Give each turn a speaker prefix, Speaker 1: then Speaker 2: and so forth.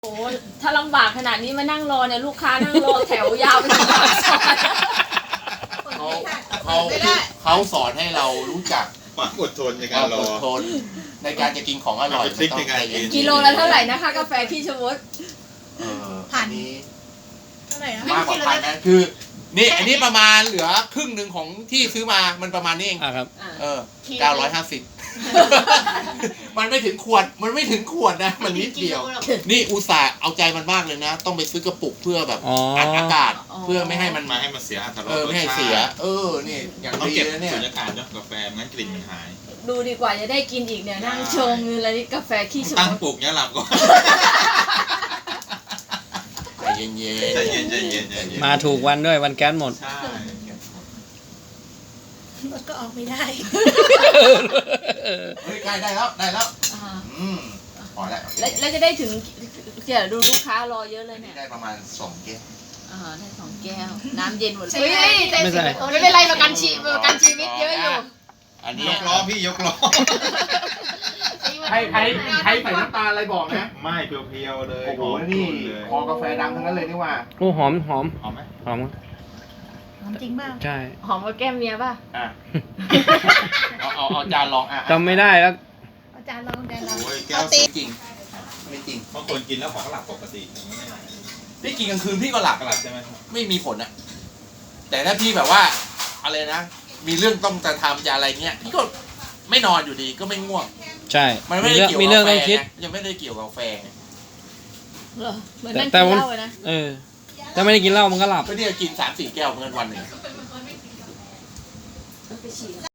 Speaker 1: โอ้ถ้าลำบากขนาดนี้มานั่งรอเนี่ยลูกค้านั่งรอแถวยาวไปถึงปากซอย
Speaker 2: เขาสอนให้เรารู้จัก
Speaker 3: ความอดทนใน
Speaker 2: ค
Speaker 3: การ
Speaker 2: วาม
Speaker 3: ร
Speaker 2: อ
Speaker 3: อ
Speaker 2: ดทนในการจะกินของอร่อย
Speaker 3: ทริคในการกิน
Speaker 1: กิโลละเท่าไหร่นะคะกาแฟขี้ชะมด
Speaker 2: อันนี้
Speaker 4: เท่าไหร่นะ
Speaker 2: มากกว่าพันนะคือนี่อันนี้ประมาณเหลือครึ่งหนึ่งของที่ซื้อมามันประมาณนี้เอง
Speaker 5: ครับ
Speaker 2: 950 มันไม่ถึงขวดนะมันนิดเดียว นี่อุตส่าห์เอาใจมันมากเลยนะ ต้องไปซื้อกระปุกเพื่อแบบ อัดอากาศเพื่อไม่ให้มัน
Speaker 3: มาให้มันเสียอรรถรส
Speaker 2: ไม่ให้เสีย นี่อย่าง
Speaker 3: ต้อง
Speaker 2: ดี
Speaker 3: เก็บ
Speaker 2: นะเนี่ย
Speaker 3: สุญญากาศเนาะกาแฟงั้นกลิ่นมันหาย
Speaker 1: ดูดีกว่าจะได้กินอีกเนี่ยนั่งชงอะไรนี่กาแฟขี้ชะ
Speaker 3: ตั้ง
Speaker 1: มด
Speaker 3: ปลูกเนี้ยหลับก่อน
Speaker 2: ใจเย็น
Speaker 3: ใจเย็นใจเย็นใจเย็น
Speaker 5: มาถูกวันด้วยวันแก๊สหมด
Speaker 3: ใช่
Speaker 4: รถก็ออกไม่ได้
Speaker 2: เฮ้ยใกล้ได้แล้ว
Speaker 1: อ่า
Speaker 2: พอแล้ว
Speaker 1: แล้วจะได้ถึงเดี๋ยวดูลูกค้ารอเยอะเลยเนี่ย
Speaker 2: ได้ประมาณ2 แก้ว
Speaker 1: ได้2 แก้วน้ำเย็นหมดเลย
Speaker 5: ไม่ใส่
Speaker 1: ไม่เป็นไรประกันชีวิตเยอะอยู่
Speaker 2: อันนี้
Speaker 3: ยกล้อพี่ยกล้อ
Speaker 2: ใครใส่น้ำตาลอะไรบอกนะ
Speaker 3: ไม่เพียวๆเลย
Speaker 2: โอ้โห
Speaker 3: หอม
Speaker 2: นี่
Speaker 3: เลย
Speaker 2: คอกาแฟดำทั้งนั้นเลยนี่ว่า
Speaker 5: โอ้หอม
Speaker 3: หอมไหม
Speaker 5: หอม
Speaker 4: หอมจริงเปล่า
Speaker 5: ใช่
Speaker 1: หอมกับแก้มเมียป่ะ
Speaker 2: อ่ะ เอาจานลองอ่ะ
Speaker 5: จำไม่ได้แล้ว
Speaker 4: อาจารย์ลองอาจารย์ลอง
Speaker 3: โอ้ยแก้ว
Speaker 2: ไม่จริงไม่จริง
Speaker 3: บางคนกินแล้วของหลับปกติ
Speaker 2: พี่กินกลางคืนพี่ก็หลับ
Speaker 3: หลับใช่ไหม
Speaker 2: ไม่มีผลอะแต่ถ้าพี่แบบว่าอะไรนะ มีเรื่องต้องจะทำจะอะไรเงี้ยพี่ก็ไม่นอนอยู่ดีก็ไม่ง่วง
Speaker 5: ใช่
Speaker 2: มันไม่ได้เกี่ยว
Speaker 5: มี
Speaker 2: กับ
Speaker 5: เรื่อง
Speaker 2: กา
Speaker 5: ต้อง
Speaker 2: แฟ
Speaker 5: คิด
Speaker 2: ไงยังไม่ได้เกี่ยวกับกาแฟไง
Speaker 1: เหรอเหมือนนั่ง
Speaker 5: แต่
Speaker 1: กิน
Speaker 5: ผม
Speaker 1: เหล้าอะนะ
Speaker 5: ถ้าไม่ได้กินเหล้ามันก็หลับ
Speaker 2: ก็เนี่ยกิน3-4 แก้วเมื่อวันหนึ่ง
Speaker 1: ไปฉี่